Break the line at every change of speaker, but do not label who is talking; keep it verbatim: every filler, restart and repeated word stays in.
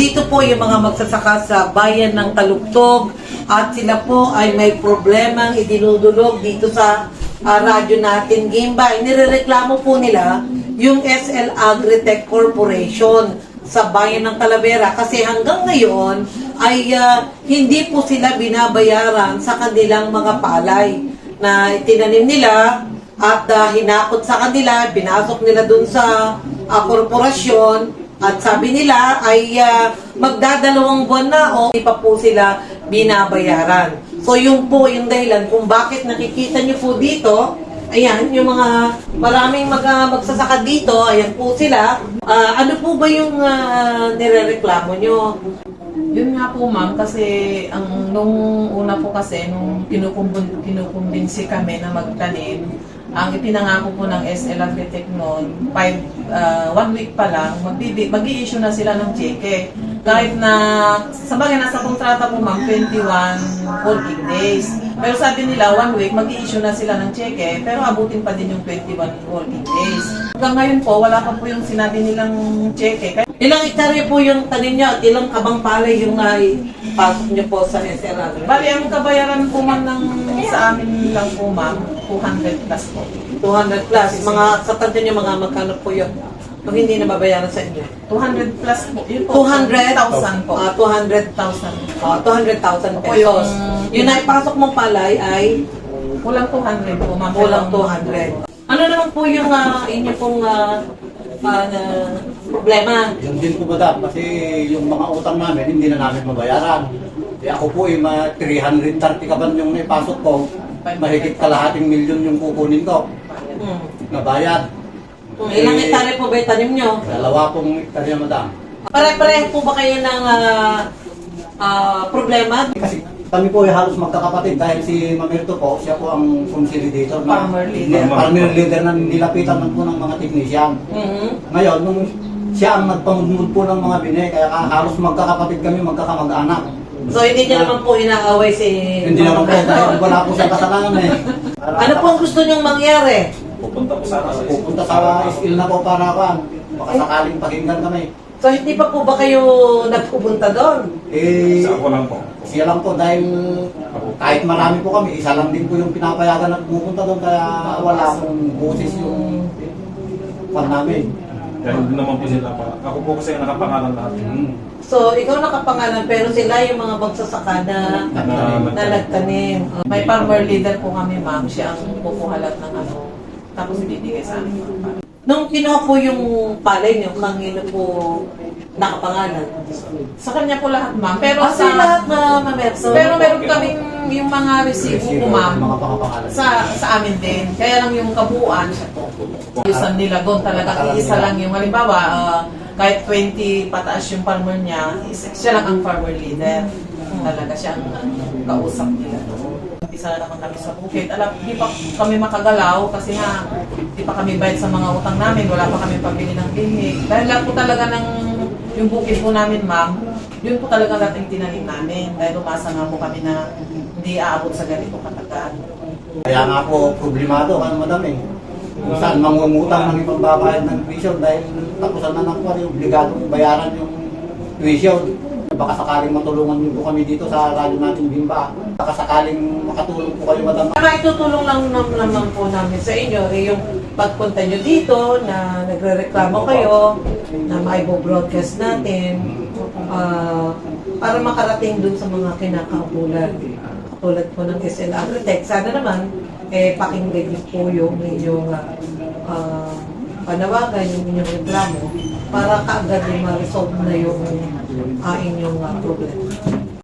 Nandito po yung mga magsasaka sa bayan ng Talugtog at sila po ay may problemang idinudulog dito sa uh, radyo natin, Gimbay. Nirereklamo po nila yung S L Agritech Corporation sa bayan ng Talavera kasi hanggang ngayon ay uh, hindi po sila binabayaran sa kanilang mga palay na itinanim nila at uh, hinakot sa kanila, binasok nila dun sa uh, korporasyon. At sabi nila ay uh, magdadalawang buwan na o hindi pa po sila binabayaran. So yung po yung dahilan kung bakit nakikita nyo po dito, ayan, yung mga maraming mag, uh, magsasaka dito, ayan po sila. Uh, ano po ba yung uh, nirereklamo nyo?
Yun nga po ma'am, kasi ang nung una po kasi, nung kinukumbin, kinukumbinsi kami na magtanim, ang ipinangako po ng S L Agritech noon, five, uh, one week pa lang, mag-i-issue na sila ng cheque. Kahit na, sa bagay nasa kontrata po ma'am, twenty-one working days. Pero sabi nila, one week, mag-i-issue na sila ng cheque, pero abutin pa din yung twenty-one working days. Hanggang ngayon po, wala pa po yung sinabi nilang cheque.
Ilang hektarya po yung tanim nyo at ilang kabang palay yung naipasok nyo po sa S L Agritech?
Bali, ang kabayaran po man ng, sa amin lang po ma'am, two hundred plus po.
two hundred plus. Mga, sa tanda nyo mga magkano po yun? Kung hindi na babayaran sa inyo?
two hundred plus po. Yun po,
two hundred
thousand po.
Ah, two hundred
thousand.
Ah, two hundred thousand
Opo,
pesos.
yung-
Yung naipasok mong palay ay
Kulang two hundred po ma'am.
kulang two hundred. Ano naman po yung uh, inyo pong uh, uh, problema?
Yun din po madam, kasi yung mga utang namin, hindi na namin mabayaran. Eh ako po, yung mga three hundred thirty kaban yung naipasok ko, mahigit kalahating milyon yung kukunin ko
Hmm.
na bayad.
Kung ilang hektarya po ba yung tanim nyo?
Dalawa pong hektarya madam.
Pare-pareho po ba kayo ng uh, uh, problema?
Kasi kami po ay halos magkakapatid dahil si Mamirto po, siya po ang consolidator na
Farmer leader.
farmer leader na nilapitan man po ng mga technician.
Mhm.
Ngayon, nung siya ang nagpamudmud po ng mga bine, kaya halos magkakapatid kami, magkakamag-anak.
So hindi nyo naman po inaaway si...
Hindi naman po, dahil wala po siya kasalanan eh.
Ano po ang gusto nyong mangyari?
Pupunta po sana sa
Pupunta sa skill na po para kan, baka sakaling pakinggan kami.
So hindi pa po ba kayo nagpupunta doon?
Eh,
Sa ako lang po.
siya lang po dahil kahit marami po kami, isa lang din po yung pinapayagan na pupunta doon, kaya wala akong boses yung pan namin.
Dahil hindi naman po sila pa. Ako po kasi ang nakapangalan lahat.
Hmm.
So ikaw nakapangalan pero sila yung mga magsasaka na, na nagtanim.
May farmer leader po kami ma'am, siya ang pupuhalat ng ano, tapos ibibigay sa amin yung palay.
Nung kinuha po yung palay niyo, kanino po nakapangalan?
Sa kanya po lahat ma'am, pero
Kasi
sa...
lahat na mamerso.
Pero meron kaming yung mga resibo po ma'am,
Mga pangapangalan.
sa sa amin din. Kaya lang yung kabuuan siya po. Yusan nila doon talaga, isa lang yung halimbawa, ah, kahit twenty pataas yung farmer niya, isa, siya lang ang farmer leader. Talaga siya ang kausap nila doon. Isa na naman kami sa bukid. Alam, di pa kami makagalaw kasi nga, di pa kami bayad sa mga utang namin, wala pa kami pabili ng bihig. Dahil lang po talaga ng yung bukid po namin ma'am, yun po talaga natin tinanim namin. Dahil umasa nga po kami na hindi aabot sa ganito katagal.
Kaya nga po, problemado ka madam eh. Kung saan mangungutang ng ipagbabayad ng tuition dahil tapusan na ng kwan, obligadong bayaran yung tuition. Baka sakaling matulungan niyo po kami dito sa radyo natin Bimba. Baka sakaling makatulong po kayo madam.
Para itutulong lang nam- naman po namin sa inyo eh, yung pagpunta nyo dito na nagre-reklamo kayo na maibo-broadcast natin ah, para makarating dun sa mga kinakaukulan. Katulad po ng S L Agritech. Sana naman eh, pakinggan niyo po yung inyong uh, uh, panawagan, yung inyong reklamo para kaagad yung ma-resolve na yung uh, inyong uh, problema.